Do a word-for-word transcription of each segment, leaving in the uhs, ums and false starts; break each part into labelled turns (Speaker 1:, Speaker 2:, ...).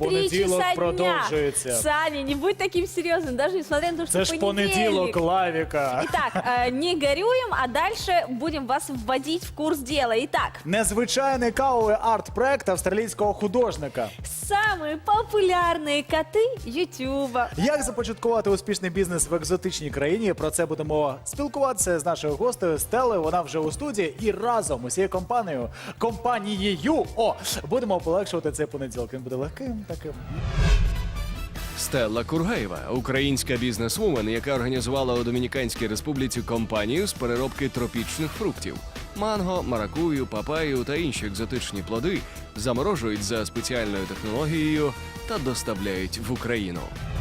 Speaker 1: Три
Speaker 2: Понеділок
Speaker 1: часа дня.
Speaker 2: продовжується.
Speaker 1: Саня, не будь таким серьезным, даже несмотря на то, что
Speaker 2: Це ж
Speaker 1: понедельник.
Speaker 2: понеділок, Лавіка.
Speaker 1: Итак, э, не горюем, а дальше будем вас вводить в курс дела. Итак,
Speaker 2: Незвичайний кавовий арт-проект австралійського художника.
Speaker 1: самые популярные коты Ютуба.
Speaker 2: Як започаткувати успішний бізнес в екзотичній країні? Про це будемо спілкуватися з нашою гостею Стелею. Вона вже у студії і разом усією компанією, компанією, о, будемо полегшувати цей понеділок. Він буде легким таким.
Speaker 3: Стелла Кургаєва – українська бізнесвумен, яка організувала у Домініканській Республіці компанію з переробки тропічних фруктів. Манго, маракую, папаю та інші екзотичні плоди заморожують за спеціальною технологією та доставляють в Україну.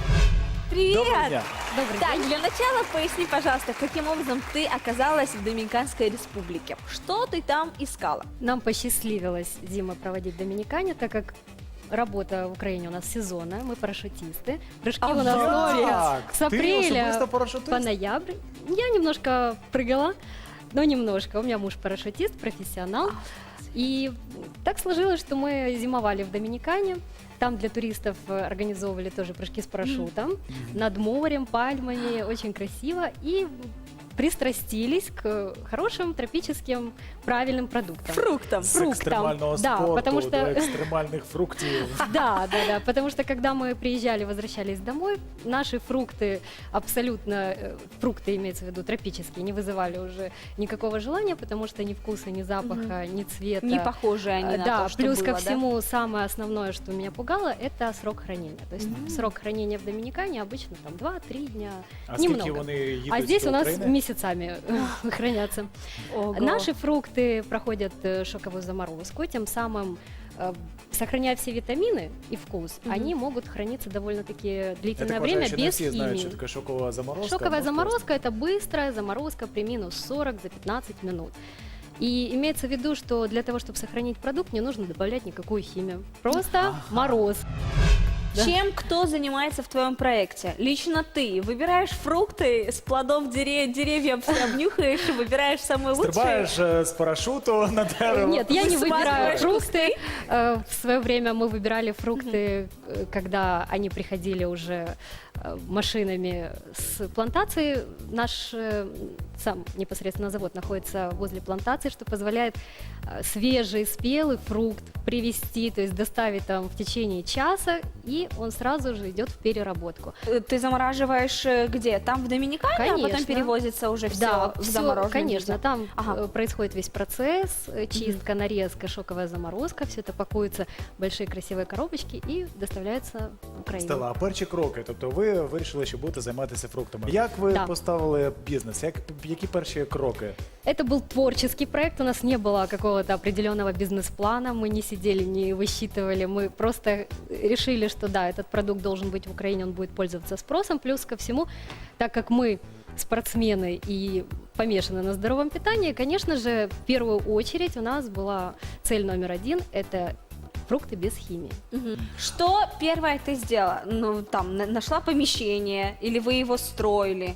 Speaker 1: Привет!
Speaker 2: Доброго дня.
Speaker 4: Добрый
Speaker 1: Так,
Speaker 4: день.
Speaker 1: для начала поясни, пожалуйста, каким образом ты оказалась в Доминиканской Республике? Что ты там искала?
Speaker 4: Нам посчастливилось, Дима, проводить в Доминикане, так как работа в Украине у нас сезонная, мы парашютисты. Прыжки
Speaker 1: А
Speaker 4: у нас
Speaker 1: вот!
Speaker 2: Так,
Speaker 4: с
Speaker 2: ти
Speaker 4: апреля
Speaker 2: особисто парашутист?
Speaker 4: по ноябрь. Я немножко прыгала, но немножко. У меня муж парашютист, профессионал. И так сложилось, что мы зимовали в Доминикане. Там для туристов э, организовывали тоже прыжки с парашютом. Над морем, пальмами, очень красиво. И пристрастились к хорошим тропическим правильным продуктам.
Speaker 1: Фруктом.
Speaker 2: З
Speaker 4: фруктам.
Speaker 2: екстремального
Speaker 4: Да,
Speaker 2: спорту
Speaker 4: потому
Speaker 2: до
Speaker 4: что-
Speaker 2: екстремальних фруктів.
Speaker 4: Да, да, да, потому что когда мы приезжали, возвращались домой, наши фрукты, абсолютно, э, фрукты имеется в виду тропические, не вызывали уже никакого желания, потому что ни вкуса, ни запаха, ни цвета.
Speaker 1: Не похожи они
Speaker 4: Э,
Speaker 1: на
Speaker 4: да,
Speaker 1: то, что
Speaker 4: плюс
Speaker 1: было,
Speaker 4: ко
Speaker 1: да?
Speaker 4: всему, самое основное, что меня пугало, это срок хранения. То есть срок хранения в Доминикане обычно там два-три дня,
Speaker 2: А скільки
Speaker 4: немного.
Speaker 2: вони їдуть
Speaker 4: А здесь
Speaker 2: до
Speaker 4: у нас
Speaker 2: України?
Speaker 4: месяцами э, хранятся.
Speaker 1: Ого.
Speaker 4: Наши фрукты проходят э, шоковую заморозку, тем самым э, сохраняя все витамины и вкус,
Speaker 1: Мгм.
Speaker 4: они могут храниться довольно-таки
Speaker 2: Я
Speaker 4: длительное
Speaker 2: так
Speaker 4: время
Speaker 2: вважаю, що не
Speaker 4: без
Speaker 2: всі знають,
Speaker 4: химии.
Speaker 2: що таке шокова заморозка.
Speaker 4: Шоковая
Speaker 2: Можете
Speaker 4: заморозка – это быстрая заморозка при минус сорок за пятнадцать минут. И имеется в виду, что для того, чтобы сохранить продукт, не нужно добавлять никакую химию. Просто мороз. Да.
Speaker 1: Чем кто занимается в твоем проекте? Лично ты выбираешь фрукты с плодов дере- деревьев, все обнюхаешь и выбираешь самые лучшие?
Speaker 2: Стрибаєш е, з парашуту на дерево.
Speaker 4: Нет, я не выбираю
Speaker 1: Высматриваешь
Speaker 4: фрукты. Э, В свое время мы выбирали фрукты, э, когда они приходили уже э, машинами с плантации. Наш э, сам непосредственно завод находится возле плантации, что позволяет э, свежий, спелый фрукт привезти, то есть доставить там в течение часа, и он сразу же идет в переработку.
Speaker 1: Э, Ты замораживаешь э, где? Там в Доминикане, а потом
Speaker 4: Конечно.
Speaker 1: перевозится уже все
Speaker 4: Да,
Speaker 1: в
Speaker 4: всё,
Speaker 1: замороженном
Speaker 4: конечно,
Speaker 1: виде?
Speaker 4: там
Speaker 1: Ага.
Speaker 4: э, происходит весь процесс, э, чистка, нарезка, шоковая заморозка, все это пакуется в большие красивые коробочки и доставляется в Украину.
Speaker 2: Стелла, а перші кроки, тобто ви вирішили, що будете займатися фруктами. Як ви
Speaker 4: Да.
Speaker 2: поставили бізнес? Як, які перші кроки?
Speaker 4: Это был творческий проект, у нас не было какого-то определенного бизнес-плана, мы не сидели, не высчитывали, мы просто решили, что да, этот продукт должен быть в Украине, он будет пользоваться спросом, плюс ко всему, так как мы спортсмены и помешаны на здоровом питании, конечно же, в первую очередь у нас была цель номер один – это фрукты без химии.
Speaker 1: Мгм. Что первое ты сделала? Ну, там, на- нашла помещение или вы его строили?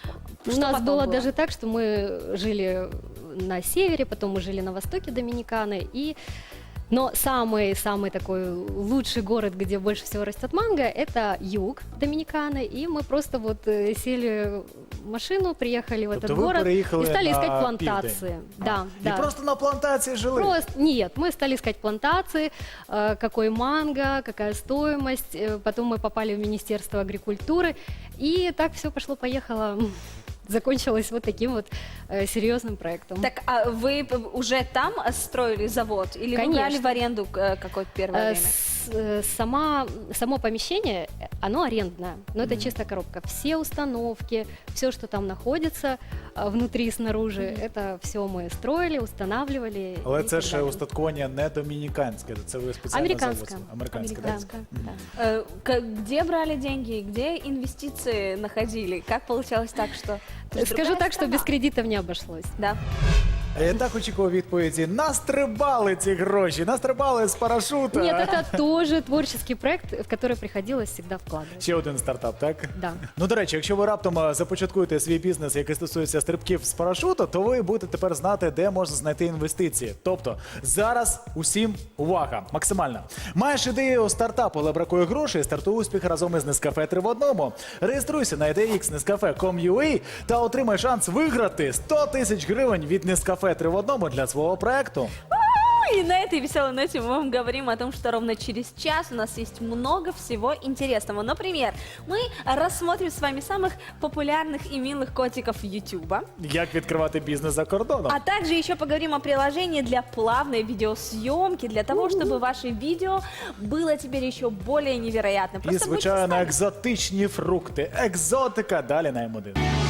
Speaker 4: У
Speaker 1: Что
Speaker 4: нас
Speaker 1: потом
Speaker 4: было
Speaker 1: было?
Speaker 4: даже так, что мы жили на севере, потом мы жили на востоке Доминиканы, и но самый-самый такой лучший город, где больше всего растет манго, это юг Доминиканы, и мы просто вот э, сели в машину, приехали в
Speaker 2: Тобто
Speaker 4: этот
Speaker 2: ви
Speaker 4: город
Speaker 2: переїхали
Speaker 4: и стали
Speaker 2: на
Speaker 4: искать плантации.
Speaker 2: південь?
Speaker 4: Да,
Speaker 2: І
Speaker 4: да.
Speaker 2: просто на плантації жили?
Speaker 4: Просто нет, мы стали искать плантации, э, какой манго, какая стоимость. э, Потом мы попали в Министерство агрикультуры, и так все пошло-поехало. Закончилось вот таким вот э, серьезным проектом.
Speaker 1: Так, а вы п- уже там э, строили завод? Или вы
Speaker 4: Конечно.
Speaker 1: брали в аренду э, какое-то первое
Speaker 4: Э,
Speaker 1: время?
Speaker 4: с- э, Сама, само помещение, э, оно арендное, но это чисто коробка. Все установки, все, что там находится э, внутри и снаружи, это все мы строили, устанавливали.
Speaker 2: Але
Speaker 4: и
Speaker 2: це
Speaker 4: так
Speaker 2: ж
Speaker 4: далее.
Speaker 2: устаткування не домініканське, це ви спеціально
Speaker 4: Американское.
Speaker 2: завозили? Американське. так?
Speaker 4: Американское, да.
Speaker 1: Э, к- Где брали деньги, где инвестиции находили? Как получалось так, что... Это же
Speaker 4: Скажу
Speaker 1: другая
Speaker 4: так, что
Speaker 1: страна.
Speaker 4: без кредитов не обошлось.
Speaker 1: Да.
Speaker 2: Я так очікував відповіді. Настрибали ці гроші, настрибали з парашута.
Speaker 4: Нет, это тоже творческий проект, в который приходилось всегда вкладывать.
Speaker 2: Ще один стартап, так?
Speaker 4: Да.
Speaker 2: Ну, до речі, якщо ви раптом е, започаткуєте свій бізнес, який стосується стрибків з парашуту, то ви будете тепер знати, де можна знайти інвестиції. Тобто, зараз усім увага, максимальна. Маєш ідею стартапу, але бракує грошей, стартуй успіх разом із Nescafe три в одному. Реєструйся на ідеї ікс Nescafe крім крім ю а та отримай шанс виграти сто тисяч гривень від Nescafe три в одному для свого проекту.
Speaker 1: И на этой веселой ноте мы вам говорим о том, что ровно через час у нас есть много всего интересного. Например, мы рассмотрим с вами самых популярных и милых котиков Ютуба.
Speaker 2: Як відкривати бізнес за кордоном?
Speaker 1: А также еще поговорим о приложении для плавной видеосъемки, для того, чтобы ваше видео было теперь еще более невероятным.
Speaker 2: І,
Speaker 1: Просто будьте с
Speaker 2: звичайно,
Speaker 1: нами.
Speaker 2: екзотичні фрукти. Екзотика. Далі на М один.